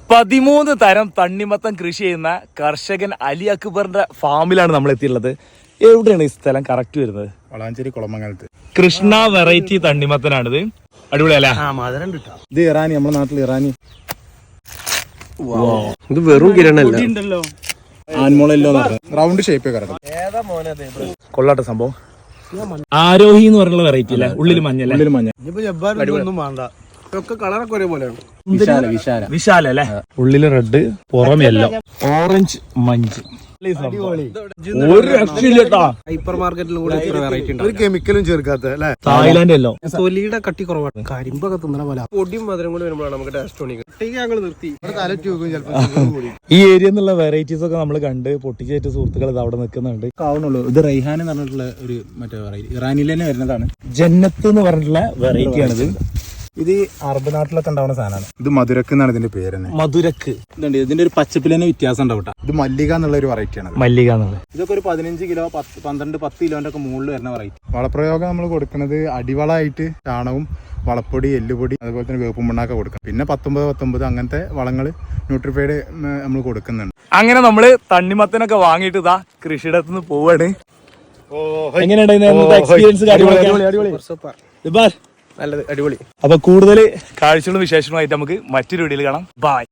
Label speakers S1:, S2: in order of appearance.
S1: 13 തരം തണ്ണിമത്തൻ കൃഷി ചെയ്യുന്ന കർഷകൻ അലി അക്ബറിന്റെ ഫാമിലാണ് നമ്മൾ എത്തിയുള്ളത്. എവിടെയാണ് ഈ സ്ഥലം കറക്റ്റ് വരുന്നത്?
S2: വളാഞ്ചേരി കുളമംഗലത്ത്
S1: കൃഷ്ണ വെറൈറ്റി തണ്ണിമത്തനാണിത്. അടിപൊളിയല്ലേ?
S2: ഇത് ഇറാനി, നമ്മുടെ നാട്ടിൽ ഇറാനി.
S3: ഇത് വെറും കിരണല്ല,
S2: ആൻമോളല്ലോ റൗണ്ട് ഷേപ്പ്
S1: കൊള്ളാട്ടെ സംഭവം. ആരോഹി എന്ന് പറഞ്ഞുള്ള വെറൈറ്റി അല്ലേ? ഉള്ളിൽ മഞ്ഞല്ലേ?
S2: ഉള്ളിൽ മഞ്ഞ.
S3: കളറൊക്കെ ഒരേപോലെയാണ്.
S1: വിശാല അല്ലേ? ഉള്ളില് റെഡ്, പുറം യെല്ലോ, ഓറഞ്ച്, മഞ്ച്. ഒരു രക്ഷയില്ലട്ടാ.
S3: ഹൈപ്പർ മാർക്കറ്റിലും കൂടെ വെറൈറ്റി ഉണ്ട്.
S2: ഒരു കെമിക്കലും ചേർക്കാത്ത അല്ലേ?
S1: Thailand yellow.
S3: തൊലിയുടെ കട്ടി കുറവാണ്. കരിമ്പൊക്കെ തിന്നണ പോലെ. പൊടിയും മധുരം കൂടി വരുമ്പോഴാണ് നമുക്ക് ടേസ്റ്റ് തോന്നിക്കുന്നത്. ഞങ്ങൾ നിർത്തി
S1: ഈ ഏരിയ എന്നുള്ള വെറൈറ്റീസ് ഒക്കെ നമ്മൾ കണ്ട് പൊട്ടിച്ചേറ്റ സുഹൃത്തുക്കൾ ഇത് അവിടെ നിൽക്കുന്നുണ്ട്.
S2: ആവണുള്ളൂ. ഇത് റൈഹാൻ എന്ന് പറഞ്ഞിട്ടുള്ള ഒരു മറ്റേ വെറൈറ്റി ഇറാനിൽ തന്നെ വരുന്നതാണ്.
S1: ജന്നത്ത് എന്ന് പറഞ്ഞിട്ടുള്ള വെറൈറ്റി ആണിത്.
S2: ഇത് അറബ് നാട്ടിലൊക്കെ ഉണ്ടാവുന്ന സാധനമാണ്. ഇത് മധുരക്ക് എന്നാണ് ഇതിന്റെ പേര് തന്നെ.
S1: മധുരക്ക്.
S2: ഇതുണ്ട്, ഇതിന്റെ ഒരു പച്ചപ്പിൽ തന്നെ വ്യത്യാസം ഉണ്ടാവും. ഇത് മല്ലിക എന്നുള്ള ഒരു വെറൈറ്റി ആണ്.
S1: മല്ലിക എന്നുള്ളത്
S2: ഇതൊക്കെ ഒരു 15 കിലോ 10 കിലോന്റെ ഒക്കെ മുകളിൽ വരുന്ന വെറൈറ്റി. വളപ്രയോഗം നമ്മൾ കൊടുക്കുന്നത് അടിവളമായിട്ട് ചാണകവും വളപ്പൊടി, എല്ലുപൊടി, അതുപോലെ തന്നെ വേപ്പും മണ്ണൊക്കെ കൊടുക്കണം. പിന്നെ 19 അങ്ങനത്തെ വളങ്ങൾ ന്യൂട്രിഫൈഡ് നമ്മൾ കൊടുക്കുന്നുണ്ട്.
S1: അങ്ങനെ നമ്മള് തണ്ണിമത്തനൊക്കെ വാങ്ങിയിട്ട് ഇതാ കൃഷിയിടത്തുനിന്ന് പോവാണ്. എങ്ങനെയുണ്ടായിരുന്നു എക്സ്പീരിയൻസ്?
S3: നല്ലത്, അടിപൊളി.
S1: അപ്പൊ കൂടുതൽ കാഴ്ചകളും വിശേഷങ്ങളുമായിട്ട് നമുക്ക് മറ്റൊരു വീഡിയോയിൽ കാണാം. ബൈ.